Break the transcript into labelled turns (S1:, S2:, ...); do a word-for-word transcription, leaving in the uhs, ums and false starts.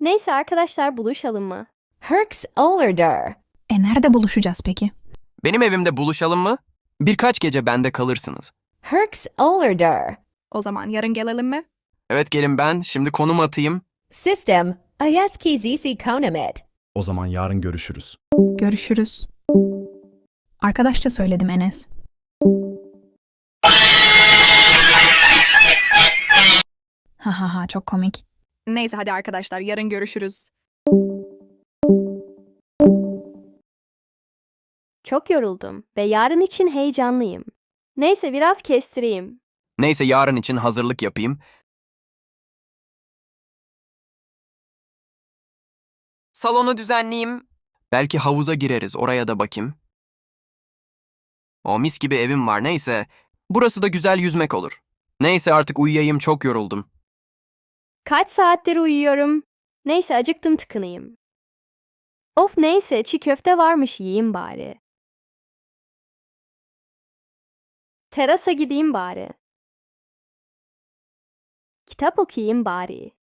S1: Neyse arkadaşlar buluşalım mı?
S2: Herks olurdur.
S3: E nerede buluşacağız peki?
S4: Benim evimde buluşalım mı? Birkaç gece bende kalırsınız.
S2: Herks olurdur.
S5: O zaman yarın gelelim mi?
S4: Evet gelin ben şimdi konum atayım.
S2: System, ayeskizisi konomit.
S6: O zaman yarın görüşürüz.
S3: Görüşürüz. Arkadaşça söyledim Enes. Ha ha ha çok komik.
S5: Neyse hadi arkadaşlar yarın görüşürüz.
S1: Çok yoruldum ve yarın için heyecanlıyım. Neyse biraz kestireyim.
S4: Neyse yarın için hazırlık yapayım. Salonu düzenleyeyim. Belki havuza gireriz oraya da bakayım. O mis gibi evim var neyse. Burası da güzel yüzmek olur. Neyse artık uyuyayım çok yoruldum.
S1: Kaç saattir uyuyorum. Neyse acıktım tıkınayım. Of neyse çiğ köfte varmış yiyeyim bari. Terasa gideyim bari. Kitap okuyayım bari.